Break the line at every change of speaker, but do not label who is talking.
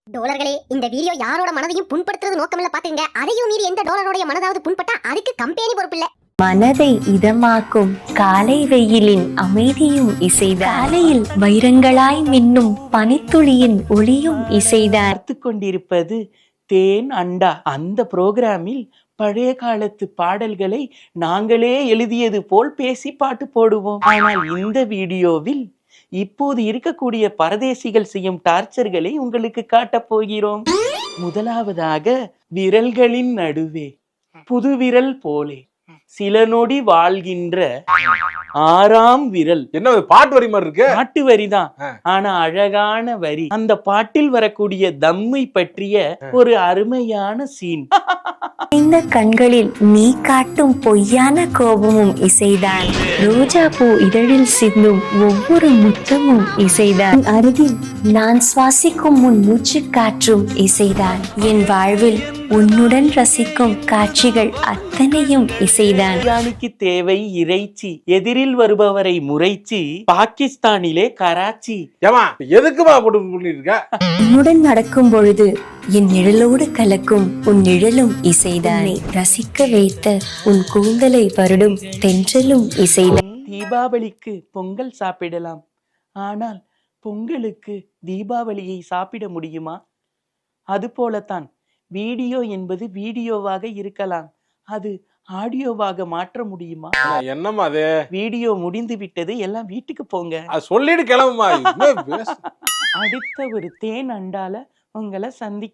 டோலர்களே, இந்த வீடியோ யாரோட மனதையும் புண்படுத்துறது நோக்கமில்ல பாத்துங்க. அதையும் மீறி எந்த டோலரோட மனதாவது புண்பட்டா அதுக்கு கம்பெனி பொறுப்பில்ல.
மனதை இதமாக்கும் காலை வெயிலின் அமைதியும் இசைதான். காலையில் வைரங்களாய் மின்னும் பனித்துளியின் ஒளியும் இசைதான்.
பார்த்து கொண்டிருப்பது தேன் அண்டா. அந்த புரோகிராமில் பழைய காலத்து பாடல்களை நாங்களே எழுதியது போல் பேசி பாட்டு போடுவோம். ஆனால் இந்த வீடியோவில் இப்போது இருக்கக்கூடிய பரதேசிகள் செய்யும் டார்ச்சர்களை உங்களுக்கு காட்டப் போகிறோம். முதலாவதாக, விரல்களின் நடுவே புது விரல் போலே சில நொடி வாழ்கின்ற ஆறாம் விரல்.
என்ன பாட்டு வரி மாதிரி இருக்கு?
பாட்டு வரிதான், ஆனா அழகான வரி. அந்த பாட்டில் வரக்கூடிய தம்மை பற்றிய ஒரு அருமையான சீன்.
இந்த கண்களில் நீ காட்டும் பொய்யான கோபமும் இசைதான். ரோஜா பூ இதழில் சிந்தும் ஒவ்வொரு முத்தமும் இசைதான். அருகில் நான் சுவாசிக்கும் உன் மூச்சு காற்றும் இசைதான். என் வாழ்வில் உன்னுடன் ரசிக்கும் காட்சிகள் அத்தனையும் இசைதான்.
பிரியாணிக்கு தேவை இறைச்சி, எதிரில் வருபவரை முறைச்சி, பாகிஸ்தானிலே கராச்சி.
ஏமா எதுக்குமா போட்டு பண்ணிருக்க?
உன்னுடன் நடக்கும் பொழுது என் நிழலோடு கலக்கும் உன் நிழலும் இசைதானே. ரசிக்க வைத்த உன் கூந்தலை வருடும் தென்றலும் இசைதான்.
தீபாவளிக்கு பொங்கல் சாப்பிடலாம், ஆனால் பொங்கலுக்கு தீபாவளியை சாப்பிட முடியுமா? அது போலத்தான் வீடியோ என்பது வீடியோவாக இருக்கலாம், அது ஆடியோவாக மாற்ற முடியுமா?
என்னம்மா அது?
வீடியோ முடிந்து விட்டது, எல்லாம் வீட்டுக்கு போங்க.
சொல்லிட்டு கிளம்புமா.
அடுத்த ஒரு தேன் அண்டால உங்களை சந்திக்க